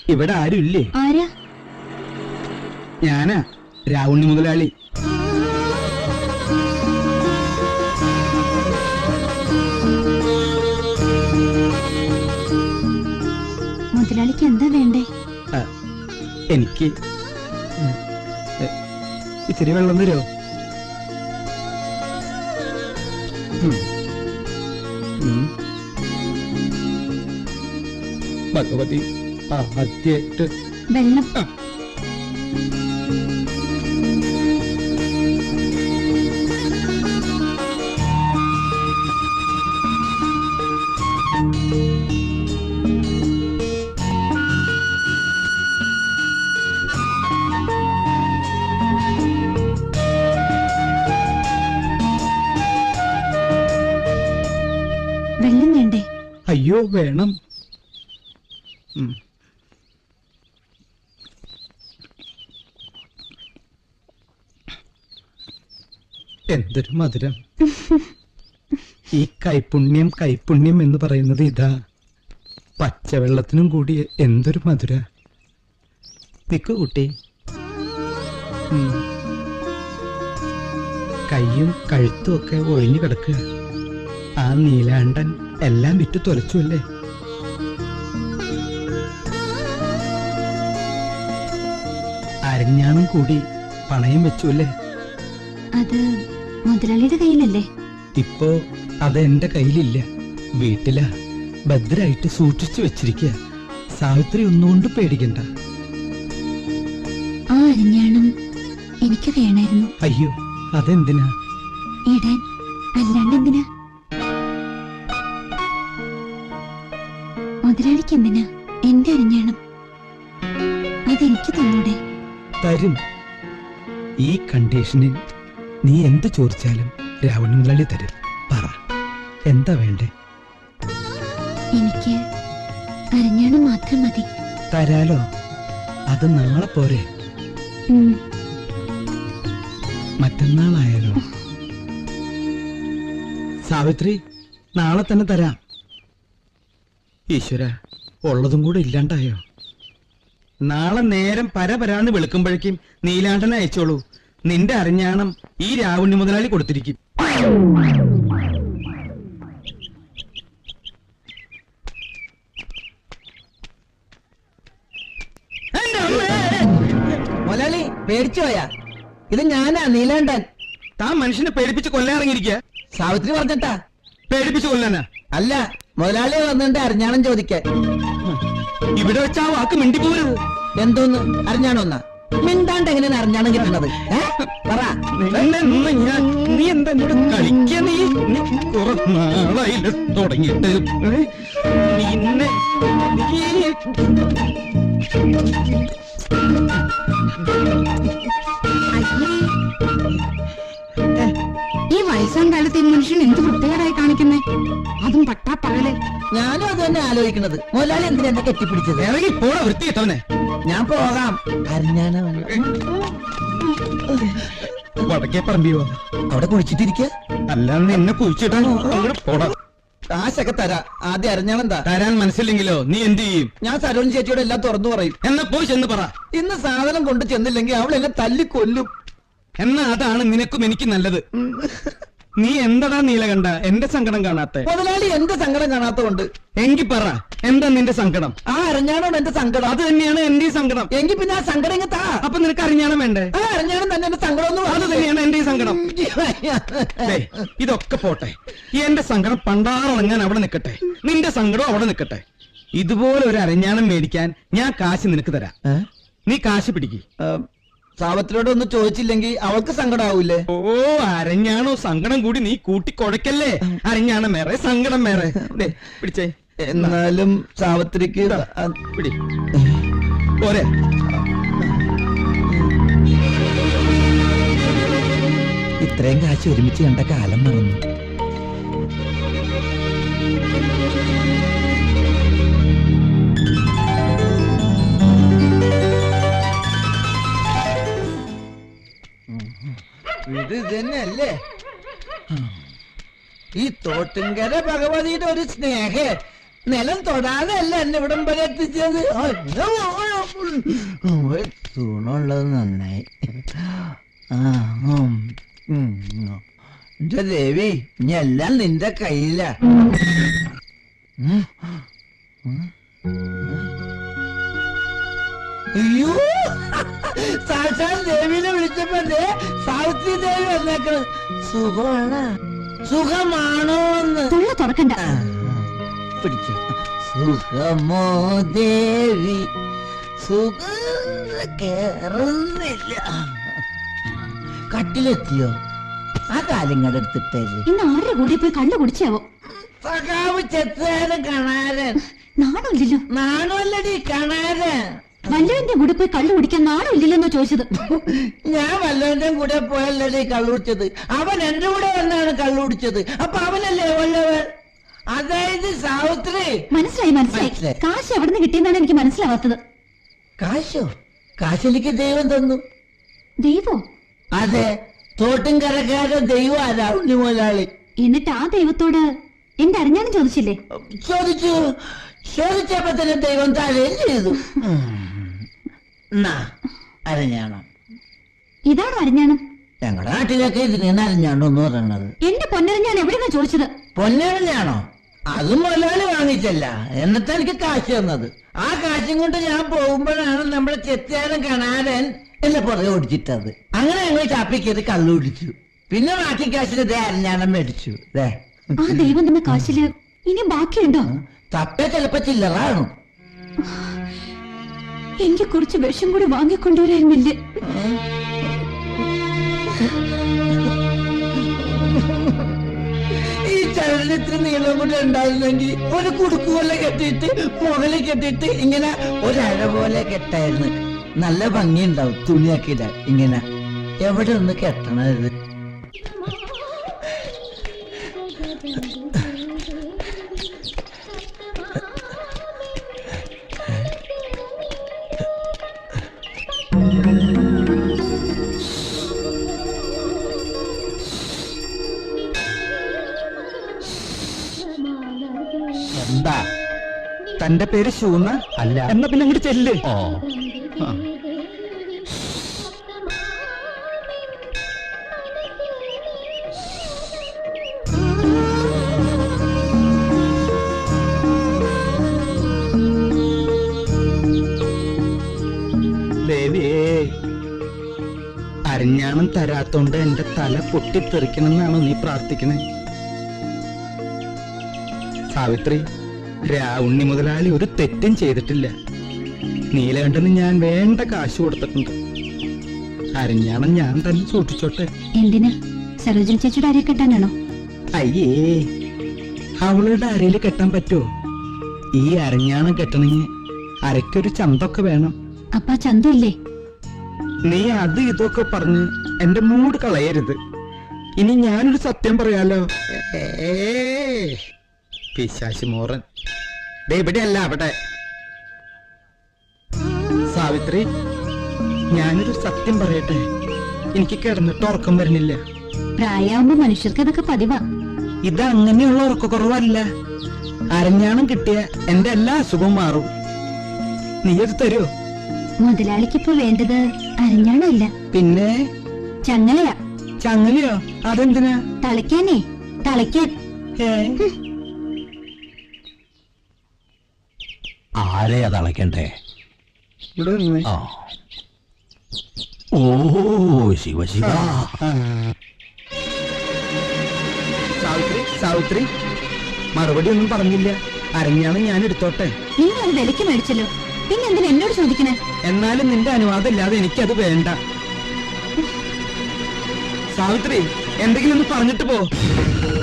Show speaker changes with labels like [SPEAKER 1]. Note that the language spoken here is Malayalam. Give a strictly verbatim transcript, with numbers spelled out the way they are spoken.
[SPEAKER 1] ഇവിടെ ആരും ഇല്ലേ?
[SPEAKER 2] ആരാ?
[SPEAKER 1] ഞാനാ, രാവുണ്ണി മുതലാളി.
[SPEAKER 2] മുതലാളിക്ക് എന്താ വേണ്ടേ?
[SPEAKER 1] എനിക്ക് ഇച്ചിരി വെള്ളം തരുമോ? ഭഗവതി ആദ്യമായിട്ട്
[SPEAKER 2] വെള്ളം. വെള്ളം വേണ്ടേ?
[SPEAKER 1] അയ്യോ വേണം. എന്തൊരു മധുരം! ഈ കൈപുണ്യം കൈപുണ്യം എന്ന് പറയുന്നത് ഇതാ. പച്ചവെള്ളത്തിനും കൂടി എന്തൊരു മധുര. നിക്കു കുട്ടി. കയ്യും കഴുത്തും ഒക്കെ ഒഴിഞ്ഞു കിടക്കുക. ആ നീലാണ്ടൻ എല്ലാം വിറ്റു തുലച്ചു അല്ലേ? അരഞ്ഞാണം കൂടി പണയം വെച്ചു അല്ലേ?
[SPEAKER 2] അത് മുതലാളിയുടെ കയ്യിലല്ലേ?
[SPEAKER 1] ഇപ്പോ അത് എന്റെ കയ്യിലില്ല, വീട്ടിലാ. ഭദ്രായിട്ട് സൂക്ഷിച്ചു വെച്ചിരിക്കുക. സാവിത്രി ഒന്നുകൊണ്ട് പേടിക്കണ്ട.
[SPEAKER 2] ആ അരഞ്ഞാണം എനിക്ക് വേണമായിരുന്നു.
[SPEAKER 1] അയ്യോ, അതെന്തിനാ?
[SPEAKER 2] ഇടാൻ, അല്ലാണ്ട് എന്തിനാ? മുതലാളിക്ക് എന്തിനാ എന്റെ അരഞ്ഞാണം? അതെനിക്ക് തന്നൂടെ?
[SPEAKER 1] തരും. ഈ കണ്ടീഷനിൽ നീ എന്ത് ചോദിച്ചാലും രാവണ മുതലാളി തരും. പറ, എന്താ വേണ്ടേ?
[SPEAKER 2] എനിക്ക് അരഞ്ഞാണം മാത്രം മതി.
[SPEAKER 1] തരാലോ. അത് നാളെ പോരെ? മറ്റന്നാളായാലോ? സാവിത്രി, നാളെ തന്നെ തരാം. ഈശ്വര, ഉള്ളതും കൂടെ ഇല്ലാണ്ടായോ? നാളെ നേരം പരപരാന്ന് വെളുക്കുമ്പോഴേക്കും നീലാണ്ടനെ അയച്ചോളൂ. നിന്റെ അരഞ്ഞാണം ഈ രാവുണ്ണി മുതലാളി കൊടുത്തിരിക്കും.
[SPEAKER 3] മുതലാളി പേടിച്ചു പോയാ? ഇത് ഞാനാ, നീലാണ്ടൻ.
[SPEAKER 1] താൻ മനുഷ്യനെ പേടിപ്പിച്ച് കൊല്ലാറിങ്ങിരിക്കുക.
[SPEAKER 3] സാവിത്രി പറഞ്ഞിട്ടാ.
[SPEAKER 1] പേടിപ്പിച്ച് കൊല്ലാനാ?
[SPEAKER 3] അല്ല, മുതലാളി വന്നിട്ട് അരഞ്ഞാണം ചോദിക്കാൻ.
[SPEAKER 1] ഇവിടെ വെച്ച് ആ വാക്ക് മിണ്ടി പോരുത്.
[SPEAKER 3] എന്തോന്ന് അരഞ്ഞാണോന്നാ? മിണ്ടാണ്ട് എങ്ങനെയാണ് അരഞ്ഞാണം കിട്ടുന്നത്? പറ.
[SPEAKER 1] നീ എന്താ എന്നോട് കളിക്ക? നീ കുറെ നാളായില്ല തുടങ്ങിയിട്ട്. നിന്നെ
[SPEAKER 2] ഈ വയസ്സാം കാലത്ത് ഈ മനുഷ്യൻ എന്ത് വൃത്തികേടായി കാണിക്കുന്നേ? അതും പട്ടാ പകല്.
[SPEAKER 3] ഞാനും അത് തന്നെ ആലോചിക്കുന്നത്. മുതലാളി എന്തിനാ എന്നെ കെട്ടിപ്പിടിച്ചത്?
[SPEAKER 1] ഇറങ്ങി പോടാ വൃത്തിയിട്ടവനെ.
[SPEAKER 3] ഞാൻ പോകാം. അരഞ്ഞാണം
[SPEAKER 1] വടക്കേ പറമ്പിയോ?
[SPEAKER 3] അവിടെ കുഴിച്ചിട്ടിരിക്ക.
[SPEAKER 1] അല്ലാന്ന് എന്നെ കുഴിച്ചിട്ടാണോ? പോടാ.
[SPEAKER 3] കാശൊക്കെ തരാ. ആദ്യം അരഞ്ഞാണം എന്താ?
[SPEAKER 1] തരാൻ മനസ്സില്ലെങ്കിലോ നീ എന്ത് ചെയ്യും?
[SPEAKER 3] ഞാൻ സരോജ് ചേച്ചിയോട് എല്ലാം തുറന്നു പറയും.
[SPEAKER 1] എന്നാ പോയി ചെന്ന് പറ.
[SPEAKER 3] ഇന്ന് സാധനം കൊണ്ട് ചെന്നില്ലെങ്കിൽ അവൾ എന്നെ തല്ലിക്കൊല്ലും.
[SPEAKER 1] എന്നാ അതാണ് നിനക്കും എനിക്ക് നല്ലത്. നീ എന്തടാ നീലകണ്ഠ എന്റെ സങ്കടം കാണാത്തെ?
[SPEAKER 3] മുതലാളി എന്റെ സങ്കടം കാണാത്തോണ്ട്.
[SPEAKER 1] എങ്കി പറ, എന്താ നിന്റെ സങ്കടം?
[SPEAKER 3] ആ അരഞ്ഞാണോ എന്റെ സങ്കടം?
[SPEAKER 1] അത് തന്നെയാണ് എന്റെ സങ്കടം.
[SPEAKER 3] എങ്കിൽ പിന്നെ ആ സങ്കടം ഇങ്ങ് താ.
[SPEAKER 1] അപ്പൊ നിനക്ക് അറിഞ്ഞാണം വേണ്ടേ?
[SPEAKER 3] ആ അരഞ്ഞാണം തന്നെ എന്റെ സങ്കടം.
[SPEAKER 1] അത് തന്നെയാണ് എന്റെ സങ്കടം. ഇതൊക്കെ പോട്ടെ, ഈ എന്റെ സങ്കടം പണ്ടാറങ്ങാൻ അവിടെ നിൽക്കട്ടെ, നിന്റെ സങ്കടം അവിടെ നിൽക്കട്ടെ. ഇതുപോലെ ഒരു അരഞ്ഞാണം മേടിക്കാൻ ഞാൻ കാശ് നിനക്ക് തരാം. നീ കാശ് പിടിക്ക്.
[SPEAKER 3] സാവത്തിനോട് ഒന്ന് ചോദിച്ചില്ലെങ്കിൽ അവൾക്ക് സങ്കടാവൂലേ?
[SPEAKER 1] ഓ, അരഞ്ഞാണോ സങ്കടം കൂടി നീ കൂട്ടിക്കൊടക്കല്ലേ. അരഞ്ഞാണം വേറെ, സങ്കടം വേറെ. പിടിച്ചേ.
[SPEAKER 3] എന്നാലും സാവത്രിക്ക്
[SPEAKER 1] പിടി പോരെ.
[SPEAKER 3] ഇത്രയും കാശ് ഒരുമിച്ച് കണ്ട കാലം മറന്നു. ഇത് തന്നെയല്ലേ ഈ തോട്ടുംകര ഭഗവതിയുടെ ഒരു സ്നേഹ. നിലം തൊടാതെ അല്ല എന്നെ ഇവിടം വരെ എത്തിച്ചത്. തൂണുള്ളത് നന്നായി. ആ ഉം, ഉം. എന്റെ ദേവി ഇനി എല്ലാം നിന്റെ കയ്യിലാ. ഉം. ഉം. അയ്യോ സാക്ഷാൽ ദേവിനെ വിളിച്ചപ്പോ ദേ സാവിത്രി ദേവി വന്നേക്കണ്. സുഖമാണ് സുഖമാണോ എന്ന്
[SPEAKER 2] തൊള്ള തുറക്കണ്ട.
[SPEAKER 3] ആ, പിടിച്ചു. സുഖമോ ദേവി സുഖ കേറുന്നില്ല. കട്ടിലെത്തിയോ? ആ കാലിങ്ങടെ എടുത്തിട്ടേര്.
[SPEAKER 2] ഇന്ന് ആരുടെ കൂടെ പോയി കള്ളു കുടിച്ചാവോ?
[SPEAKER 3] സഖാവ് ചെത്തുകാരൻ കണാരൻ.
[SPEAKER 2] നാണമില്ലല്ലോ.
[SPEAKER 3] നാണല്ലടി കണാരൻ.
[SPEAKER 2] വല്ലവന്റെ കൂടെ പോയി കള്ളു കുടിക്കാൻ നാണമില്ലല്ലോ ചോദിച്ചത്.
[SPEAKER 3] ഞാൻ വല്ലവന്റെ കൂടെ പോയല്ലേ കള്ളുടിച്ചത്. അവൻ എന്റെ കൂടെ വന്നാണ് കള്ളുടിച്ചത്. അപ്പൊ അവനല്ലേ വല്ലവൻ? അതായത് സാവിത്രി.
[SPEAKER 2] മനസ്സിലായി മനസ്സിലായി.
[SPEAKER 3] മനസ്സിലായി.
[SPEAKER 2] കാശ് എവിടെ നിന്ന് കിട്ടിയെന്നാണ് എനിക്ക് മനസ്സിലാവാത്തത്.
[SPEAKER 3] കാശോ? കാശെനിക്ക് ദൈവം തന്നു.
[SPEAKER 2] ദൈവോ?
[SPEAKER 3] അതെ, തോട്ടും കരക്കാരൻ ദൈവം ആരാ? ഉണ്ണി മുതലാളി.
[SPEAKER 2] എന്നിട്ട് ആ ദൈവത്തോട് എന്റെ അറിഞ്ഞാലും ചോദിച്ചില്ലേ?
[SPEAKER 3] ചോദിച്ചു. ചോദിച്ചപ്പോ തന്നെ ദൈവം താഴെയും ചെയ്തു. അരഞ്ഞാണോ?
[SPEAKER 2] ഇതാണോ അറിഞ്ഞാണം?
[SPEAKER 3] ഞങ്ങളുടെ നാട്ടിലൊക്കെ ഇതിനാണ് അരഞ്ഞാണോ എന്ന് പറയണത്.
[SPEAKER 2] എന്റെ പൊന്നറിഞ്ഞാൻ എവിടെന്നാ ചോദിച്ചത്?
[SPEAKER 3] പൊന്നരഞ്ഞാണോ? അതും മുതലാളി വാങ്ങിച്ചല്ല, എന്നിട്ട് എനിക്ക് കാശ് തന്നത്. ആ കാശും കൊണ്ട് ഞാൻ പോകുമ്പോഴാണ് നമ്മുടെ ചെത്തിയാരൻ കണാരൻ എന്നെ പുറകെ ഓടിച്ചിട്ടത്. അങ്ങനെ ഞങ്ങൾ ചാപ്പിക്കത് കള്ളു കുടിച്ചു. പിന്നെ ബാക്കി കാശിന് ദേ അരഞ്ഞാണം മേടിച്ചു. ദേ
[SPEAKER 2] ആ ദൈവം തന്ന കാശില് ഇനി ബാക്കിയുണ്ടോ?
[SPEAKER 3] തപ്പ ചിലപ്പോ ചില്ലറാണോ?
[SPEAKER 2] എനിക്ക് കുറച്ച് വിഷം കൂടി വാങ്ങിക്കൊണ്ടുവരായിരുന്നില്ലേ?
[SPEAKER 3] ഈ ചരടിന് ഇത്ര നീളം കൂടെ ഉണ്ടായിരുന്നെങ്കിൽ ഒരു കുടുക്ക് പോലെ കെട്ടിയിട്ട് മുകളിൽ കെട്ടിയിട്ട് ഇങ്ങനെ ഒരഴ പോലെ കെട്ടായിരുന്നു. നല്ല ഭംഗിയുണ്ടാവും തുണിയൊക്കെ ഇടാൻ. ഇങ്ങനെ എവിടെ ഒന്ന് കെട്ടണത്?
[SPEAKER 1] എന്താ തന്റെ പേര് ശൂന്ന? അല്ല. എന്നാ പിന്നെ അങ്ങോട്ട് ചെല്ല്. ഓ ദേവിയേ, അരഞ്ഞാണം തരാത്തോണ്ട് എന്റെ തല പൊട്ടിത്തെറിക്കണമെന്നാണോ നീ പ്രാർത്ഥിക്കണേ? സാവിത്രി, രാവുണ്ണി മുതലാളി ഒരു തെറ്റും ചെയ്തിട്ടില്ല. നീലകണ്ഠന് ഞാൻ വേണ്ട കാശ് കൊടുത്തിട്ടുണ്ട്. അരഞ്ഞാണം ഞാൻ തന്നെ സൂക്ഷിച്ചോട്ടെ.
[SPEAKER 2] എന്തിനാ? സരോജിനി ചേച്ചിയുടെ അരയെ കെട്ടാനാണോ?
[SPEAKER 1] അയ്യേ, അവളുടെ അരയില് കെട്ടാൻ പറ്റുമോ? ഈ അരഞ്ഞാണം കെട്ടണമെങ്കിൽ അരയ്ക്കൊരു ചന്തൊക്കെ വേണം.
[SPEAKER 2] അപ്പാ ചന്തു ഇല്ലേ?
[SPEAKER 1] നീ അത് ഇതൊക്കെ പറഞ്ഞ് എന്റെ മൂഡ് കളയരുത്. ഇനി ഞാനൊരു സത്യം പറയാലോ. ഏ പിശാശി മോറൻ ദേ ഇവിടെയല്ല അവിടെ. സാവിത്രി, ഞാനൊരു സത്യം പറയട്ടെ. എനിക്ക് കിടന്നിട്ട് ഉറക്കം വരുന്നില്ല.
[SPEAKER 2] പ്രായമാകുമ്പോ മനുഷ്യർക്ക് അതൊക്കെ പതിവാ.
[SPEAKER 1] ഇത് അങ്ങനെയുള്ള ഉറക്കക്കുറവല്ല. അരഞ്ഞാണം കിട്ടിയ എന്റെ എല്ലാ അസുഖവും മാറും. നീ അത് തരുമോ?
[SPEAKER 2] മുതലാളിക്കിപ്പോ വേണ്ടത് അരഞ്ഞാണല്ല,
[SPEAKER 1] പിന്നെ
[SPEAKER 2] ചങ്ങലയാ.
[SPEAKER 1] ചങ്ങലയോ? അതെന്തിനാ?
[SPEAKER 2] തളയ്ക്കാനേ, തളയ്ക്കാൻ.
[SPEAKER 1] ഏ
[SPEAKER 4] ആരെയാ തളയ്ക്കണ്ടേ?
[SPEAKER 1] ഇവിടെ നിന്ന്.
[SPEAKER 4] ആ ഓ ശിവ ശിവ.
[SPEAKER 1] സാവിത്രി, സാവിത്രി, മറുപടി ഒന്നും പറഞ്ഞില്ല. അരഞ്ഞാണ് ഞാൻ എടുത്തോട്ടെ.
[SPEAKER 2] നിങ്ങൾ അത് വിലക്ക് മേടിച്ചല്ലോ, പിന്നെ എന്തിനാ എന്നോട് ചോദിക്കണേ?
[SPEAKER 1] എന്നാലും നിന്റെ അനുവാദം ഇല്ലാതെ എനിക്കത് വേണ്ട. സാവിത്രി, എന്തെങ്കിലും ഒന്ന് പറഞ്ഞിട്ട് പോ.